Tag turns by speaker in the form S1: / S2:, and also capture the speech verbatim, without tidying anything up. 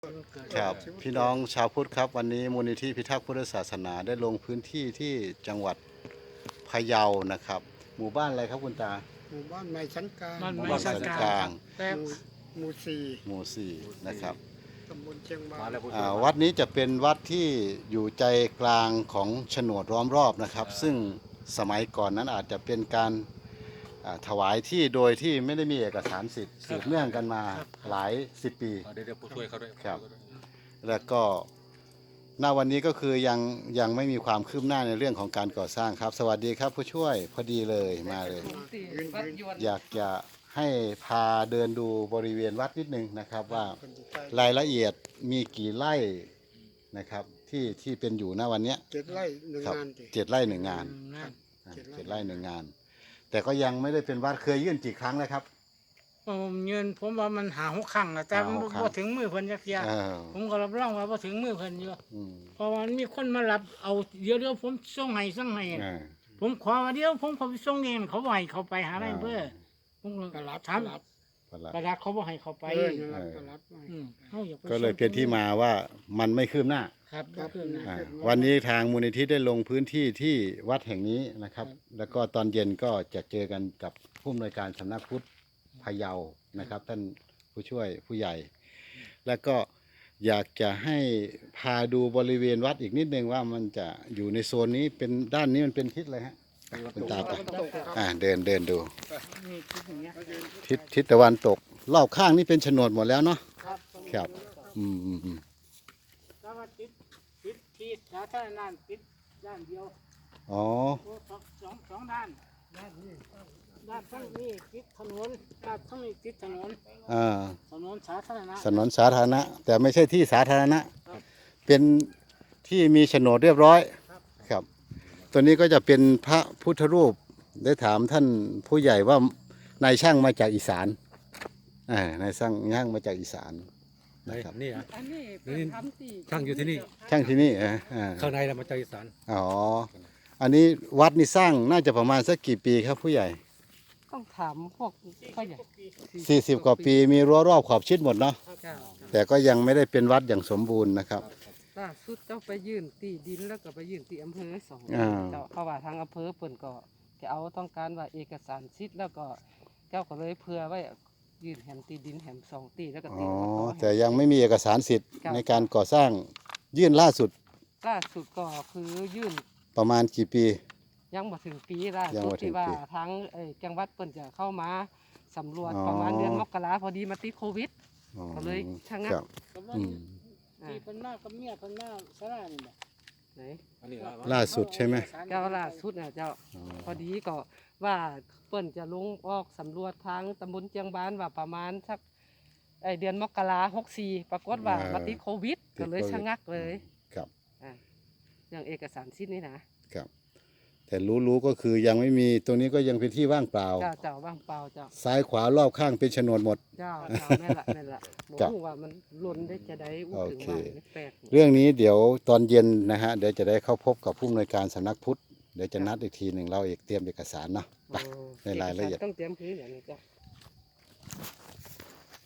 S1: ครับพี่น้องชาวพุทธครับวันนี้มูลนิธิพิทักษ์พุทธศาสนาได้ลงพื้นที่ที่จังหวัดพะเยานะครับ หมู่บ้านอะไรครับคุณตา
S2: หมู่บ้านไม้ชั้นกลาง
S1: หมู่บ้านสันกลาง
S2: หมู่หมู่สี่
S1: หมู่สี่นะครับ
S2: ตำบลเชียงบาน
S1: อ่าวัดนี้จะเป็นวัดที่อยู่ใจกลางของโฉนดล้อมรอบนะครับ ซึ่งสมัยก่อนนั้นอาจจะเป็นการอ่าถวายที่โดยที่ไม่ได้มีเอกสารสิทธิ์สืบเนื่องกันมาหลายสิบปี
S3: เดี๋ยวเดี๋ยวผู้ช่วยเขาด้วย
S1: ครับ แล้วก็ณวันนี้ก็คือยังยังไม่มีความคืบหน้าในเรื่องของการก่อสร้างครับ สวัสดีครับผู้ช่วยพอดีเลยมาเลย
S2: ยืนยืน
S1: อยากจะให้พาเดินดูบริเวณวัดนิดนึงนะครับว่า
S2: คนที่ใต้
S1: รายละเอียดมีกี่ไร่นะครับที่ที่เป็นอยู่ณวันเนี้ย
S2: เจ็ดไร่หนึ่ง
S1: ครับ
S2: งานดิ
S1: เจ็ดไร่หนึ่งงาน
S2: ครับ
S1: อ่า
S2: เจ็ดไร่
S1: เจ็ดไร่หนึ่งงาน แต่ก็ยังไม่ได้เป็นวัดเคยยื่นกี่ครั้งแล้วครับ
S4: ผมยืนผมว่ามันหาหกครั้งแล้วแต่มัน
S1: หาหกครั้ง
S4: บ่ถึงมือเพิ่นจักเที่ย
S1: เออ
S4: ผมก็รับรองว่าบ่ถึงมือเพิ่นอยู่
S1: อืม
S4: เพราะว่ามันมีคนมารับเอาเดี๋ยวเดี๋ยวผมส่งให้ส่งให้
S1: อ่า
S4: ผมขอว่าเดี๋ยวผมเขาไปส่งเองเขาบ่ให้เขาไปหาได้เพื่อผมก็
S2: ตลาด
S4: ถาม
S2: ตลาด
S1: ประหลัด
S4: ประดักเขาบ่ให้เขาไป
S2: เออตลาดตลาด
S4: อืมเฮาอยากไป
S1: ก็เลยเป็นที่มาว่ามันไม่คืบหน้า
S4: ครับบ่คืนนะ
S1: อ่าวันนี้ทางมูลนิธิได้ลงพื้นที่ที่วัดแห่งนี้นะครับ แล้วก็ตอนเย็นก็จะเจอกันกับผู้อำนวยการสำนักพุทธพะเยานะครับ ท่านผู้ช่วยผู้ใหญ่ แล้วก็อยากจะให้พาดูบริเวณวัดอีกนิดนึงว่ามันจะอยู่ในโซนนี้เป็นด้านนี้มันเป็นทิศอะไรฮะคุณตาไปอ่าเดินเดินดู
S4: นี่คิดอย่างเงี้ย
S1: ทิศทิศตะวันตกรอบข้างนี่เป็นโฉนดหมดแล้วเนาะ
S4: ครับ
S1: ครับอืมอืมอืม
S4: แล้วว่าติดติดที่สาธารณะติดด้านเดียว
S1: อ๋อ
S4: โอ้สองสองสองด้านด้านนี้ด้านทั้งนี้ติดถนนด้านทั้งนี้ติดถนน
S1: อ่า
S4: ถนนสาธารณะ
S1: ถนนสาธารณะ แต่ไม่ใช่ที่สาธารณะ เป็นที่มีโฉนดเรียบร้อยครับ ตัวนี้ก็จะเป็นพระพุทธรูปได้ถามท่านผู้ใหญ่ว่านายช่างมาจากอีสานอ่านายช่างช่างมาจากอีสาน
S3: ไหน
S1: นะครับ
S3: นี่อ่ะ
S5: อันนี้
S3: นี่
S5: ทำที่
S3: ช่างอยู่ที่นี่
S1: ช่างที่นี่อ่าอ่า
S3: ข้างในเรามาจากอีสาน
S1: อ๋ออันนี้วัดนี่สร้างน่าจะประมาณสักกี่ปีครับผู้ใหญ่
S5: ต้องถามพวกพ่อใหญ่
S1: สี่สิบกว่าปีมีรั้วรอบขอบชิดหมดเนาะ
S5: เจ้า
S1: แต่ก็ยังไม่ได้เป็นวัดอย่างสมบูรณ์นะครับ
S5: ล่าสุดเจ้าไปยื่นตีดินแล้วก็ไปยื่นที่อำเภอสอง
S1: อ่า
S5: เจ้าเพราะว่าทางอำเภอเปิ่นก็จะเอาต้องการว่าเอกสารสิทธิ์แล้วก็เจ้าก็เลยเพื่อไว้ยื่นแหมตีดินแหมสองตีแล้วก็
S1: อ๋
S5: ตี
S1: อ
S5: อบต
S1: แต่ยังไม่มีเอกสารสิทธิ์ในการก่อสร้างยื่นล่าสุด
S5: ล่าสุดก็คือยื่น
S1: ประมาณกี่ปี
S5: ยังบ่ถึงปีล่า
S1: ยัง
S5: สุ
S1: บ่
S5: ด
S1: ถึง
S5: ที่ว่า
S1: ปี
S5: ทางเอ่อจังหวัดเปิ่นจะเข้ามาสำรวจ
S1: อ๋อ
S5: ประมาณเดือนมกราพอดีมาติดโควิด
S1: อ๋อ
S5: ก็เลยชะงัก
S1: ครับ
S4: ก็ว่า
S1: อืม
S4: ที่เพิ่นมากับเมียเพิ่นมาสลานี่แหละ
S5: ไหน
S3: อันนี้
S1: ล่าสุดใช่ไหม
S5: เจ้าล่าสุดน่ะเจ้า พอดีก็ว่าเปิ้นจะลงออกสำรวจทางตำบลเจียงบานว่าประมาณสักไอเดือนมกราหกสี่ปรากฏว่า
S1: อ่า
S5: มาติดโควิด
S1: ติด
S5: ก็เลย
S1: โควิด
S5: ชะงักเลย
S1: ครับ
S5: อ่าอย่างเอกสารสิทธิ์นี่นะครับ
S1: แต่รู้ๆก็คือยังไม่มีตรงนี้ก็ยังเป็นที่ว่างเปล่า
S5: เจ้าเจ้าว่างเปล่าเจ้า
S1: ซ้ายขวารอบข้างเป็นโฉนดหมด
S5: เจ้าเจ้าแม่นละแม่นละบ
S1: ครับ
S5: รู้ว่ามันหล่นได้จะได้อู้
S1: โอ
S5: ถึง
S1: เค
S5: ว่ามันแปลก
S1: เรื่องนี้เดี๋ยวตอนเย็นนะฮะเดี๋ยวจะได้เข้าพบกับผู้อำนวยการสำนักพุทธเดี๋ยวจะนัดอีกทีหนึ่งเราเอกเตรียมเอกสารเนาะไป
S5: โอ้
S1: ในรายละเอียด
S5: ต้องเตรียมพื้นอย่างนี้เจ้า